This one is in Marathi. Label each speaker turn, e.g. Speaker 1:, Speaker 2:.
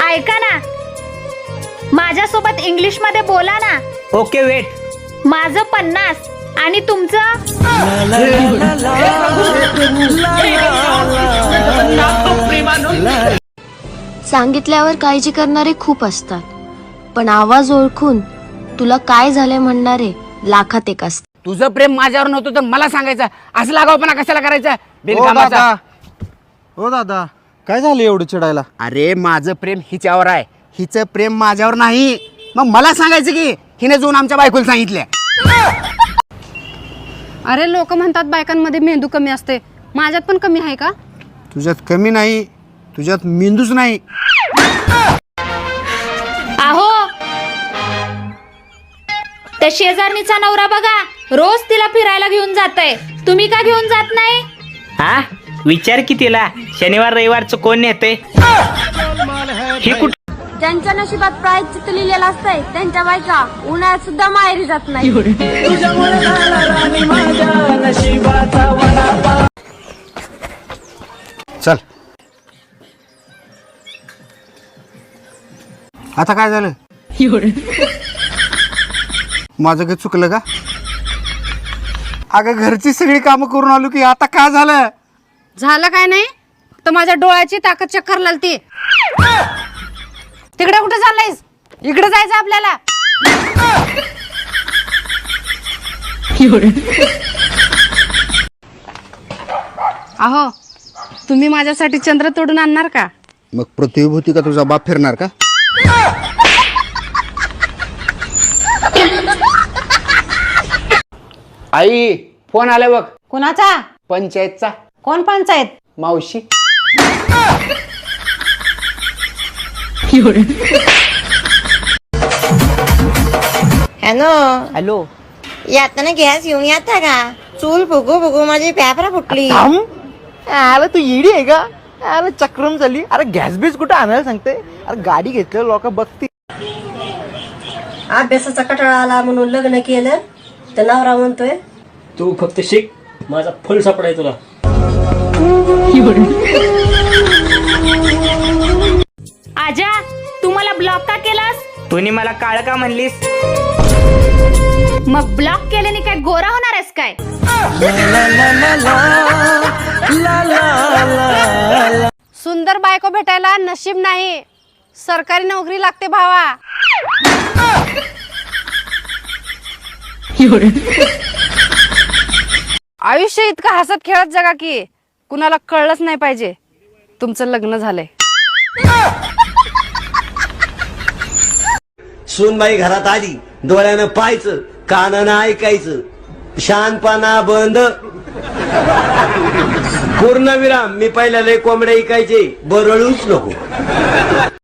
Speaker 1: ऐका ना, माझ्यासोबत इंग्लिश मध्ये बोला ना.
Speaker 2: Okay wait.
Speaker 1: माझं 50 आणि तुमचं.
Speaker 3: सांगितल्यावर काळजी करणारे खूप असतात, पण आवाज ओळखून तुला काय झालंय म्हणणारे लाखात एक असतात.
Speaker 2: तुझं प्रेम माझ्यावर नव्हतं तर मला सांगायचं. असं लागावपणा कशाला करायचा बिनकामाचा?
Speaker 4: हो दादा, काय झालं एवढं चिडायला?
Speaker 2: अरे माझं प्रेम हिच्यावर आहे, हिचं प्रेम माझ्यावर नाही. मग मला सांगायचं की हिने जाऊन आमच्या बायकोला सांगितल्या.
Speaker 5: अरे लोक म्हणतात बायकांमध्ये मेंदू कमी असते, माझ्यात पण कमी आहे का?
Speaker 4: तुझ्यात कमी नाही, तुझ्यात मेंदूच नाही.
Speaker 1: आहो, त्या शेजारणीचा नवरा बघा, रोज तिला फिरायला घेऊन जातय. तुम्ही का घेऊन जात नाही?
Speaker 6: हा विचार की तिला, शनिवार रविवारचं कोण नेते? हे कुठं?
Speaker 3: ज्यांच्या नशिबात प्रायश्चित्त लिहिलेलं असतंय त्यांच्या बायका उन्हाळ्यात सुद्धा माहेरी जात नाही.
Speaker 4: चल, आता काय झालं? माझं काही चुकलं का? अगं घरची सगळी कामं करून आलो की आता काय झालं?
Speaker 5: झालं काय नाही तर माझ्या डोळ्याची ताकद चक्कर लागते. तिकडे कुठे चाललायस? इकडे जायचं आपल्याला. अहो, तुम्ही माझ्यासाठी चंद्र तोडून आणणार का?
Speaker 4: मग प्रतिभूती का तुझा बाप फिरणार का?
Speaker 2: आई फोन आला बघ.
Speaker 5: कोणाचा?
Speaker 2: पंचायतचा.
Speaker 5: कोण पंचायत?
Speaker 2: मावशी.
Speaker 7: हॅलो, येताना गॅस घेऊन येता का? चूल फुगू फुगू माझी पेपरा फुटली.
Speaker 8: अरे तू येडी आहे का? अरे चक्रम झाली. अरे गॅस बीस कुठं आणायला सांगते? अरे गाडी घेतलं लोक बघते.
Speaker 7: अभ्यासाचा कटाळा आला म्हणून लग्न केलं तर नवरा म्हणतोय
Speaker 6: तू फक्त शिक, माझा फुल सापडाय तुला.
Speaker 1: आजा, तू मला ब्लॉक का केलास?
Speaker 6: तुम्ही मला काळ का म्हणलीस?
Speaker 1: मग ब्लॉक केल्याने काय गोरा होणार आहेस काय?
Speaker 5: सुंदर बायको भेटायला नशीब नाही, सरकारी नोकरी लागते भावा. आयुष्य इतकं हसत खेळत जगा की कुणाला कळलंच नाही पाहिजे तुमचं लग्न झालंय.
Speaker 9: सूनबाई घरात आली, डोळ्यानं पाहायचं, कानानं ऐकायचं, शानपणा बंद. पूर्ण विराम. मी पहिल्या लय कोंबड्या ऐकायचे, बरळूच नको.